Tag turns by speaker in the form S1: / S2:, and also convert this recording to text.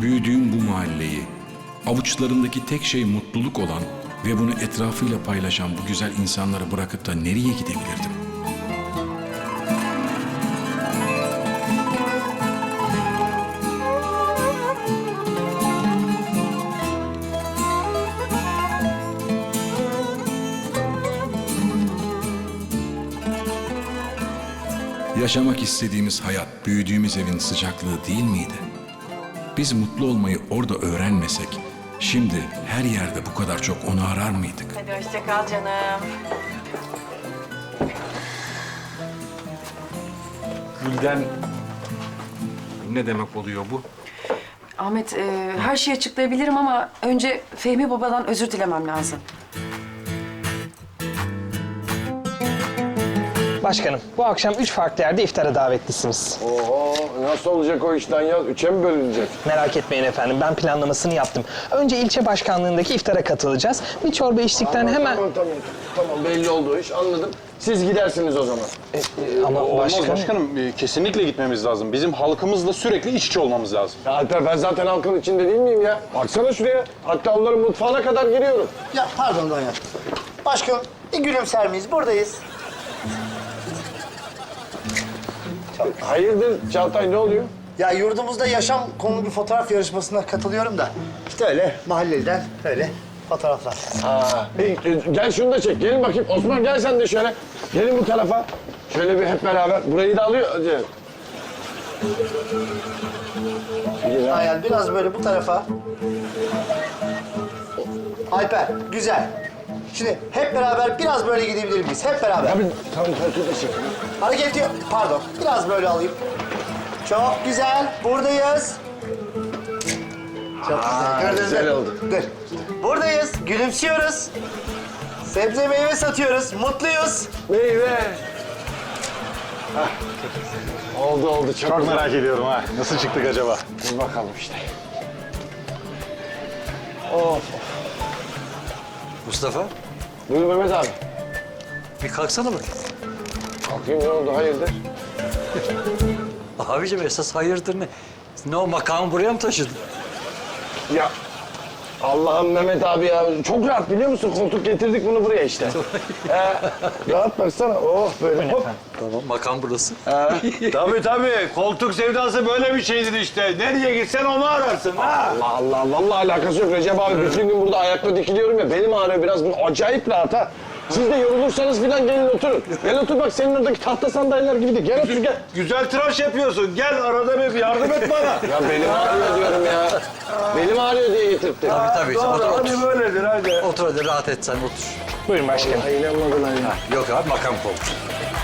S1: büyüdüğüm bu mahalleyi, avuçlarındaki tek şey mutluluk olan ve bunu etrafıyla paylaşan bu güzel insanları bırakıp da nereye gidebilirdim? Yaşamak istediğimiz hayat, büyüdüğümüz evin sıcaklığı değil miydi? Biz mutlu olmayı orada öğrenmesek, şimdi her yerde bu kadar çok onu arar mıydık?
S2: Hadi hoşça kal canım.
S3: Gülden ne demek oluyor bu?
S2: Ahmet, her şeyi açıklayabilirim ama önce Fehmi babadan özür dilemem lazım.
S4: Başkanım, bu akşam 3 farklı yerde iftara davetlisiniz.
S5: Oho, nasıl olacak o işten ya? Üçe mi bölünecek?
S4: Merak etmeyin efendim, ben planlamasını yaptım. Önce ilçe başkanlığındaki iftara katılacağız. Bir çorba içtikten hemen...
S5: Tamam, belli oldu iş, anladım. Siz gidersiniz o zaman.
S4: Ama
S6: Olmaz
S4: başkanım...
S6: başkanım. Kesinlikle gitmemiz lazım. Bizim halkımızla sürekli iç içe olmamız lazım.
S5: Ya Alper, ben zaten halkın içinde değil miyim ya? Baksana şuraya. Hatta onların mutfağına kadar giriyorum.
S7: Ya pardon Donya. Başkanım bir gülümser miyiz? Buradayız.
S5: Hayırdır Çağatay, ne oluyor?
S7: Ya yurdumuzda yaşam konulu bir fotoğraf yarışmasına katılıyorum da. İşte öyle mahalleden öyle fotoğraflar.
S5: Gel şunu da çek. Gelin bakayım. Osman gel sen de şöyle. Gelin bu tarafa. Şöyle bir hep beraber. Burayı da alıyor. Hadi.
S7: Hayal biraz böyle bu tarafa. Alper güzel. Şimdi hep beraber biraz böyle gidebilir miyiz? Hep beraber.
S5: Tabii, koltuğu da çek.
S7: Hareket yok. Pardon. Biraz böyle alayım. Çok güzel. Buradayız. Çok güzel. Gördünüz mü?
S5: güzel oldu.
S7: Dur. Buradayız. Gülümsüyoruz. Sebze meyve satıyoruz. Mutluyuz.
S5: Meyve. Oldu. Çok güzel.
S6: Merak ediyorum ha. Nasıl çıktık acaba?
S5: Dur bakalım işte.
S8: Mustafa,
S5: Buyur Mehmet abi.
S8: bir kalksana bakayım.
S5: Kalkayım, ne oldu? Hayırdır?
S8: Abicim esas hayırdır ne? Ne o makamı buraya mı taşıdın?
S5: Ya Allah'ım Mehmet abi ya. Çok rahat biliyor musun? Koltuk getirdik bunu buraya işte. Rahat baksana. Oh böyle hop.
S8: Tamam, makam burası.
S3: Tabii. Koltuk sevdası böyle bir şeydir işte. Nereye gitsen onu ararsın ha.
S5: Allah. Vallahi alakası yok Recep abi. Bütün gün burada ayakta dikiliyorum ya. Benim ağrıyor biraz. Bu acayip rahat ha. Siz de yorulursanız falan gelin oturun. Gel otur bak, senin oradaki tahta sandalyeler gibi de. Gel otur gel.
S3: Güzel tıraş yapıyorsun. Gel arada bir yardım et bana.
S5: Ya benim ağrıyor diyorum ya. Benim ağrıyor diye getirttim.
S8: Tabii. Otur.
S3: Hadi böyledir hadi.
S8: Otur hadi rahat et sen otur.
S4: Buyurun başkanım.
S5: Ay inanmadın ay.
S8: Yok abi makam koltuğu.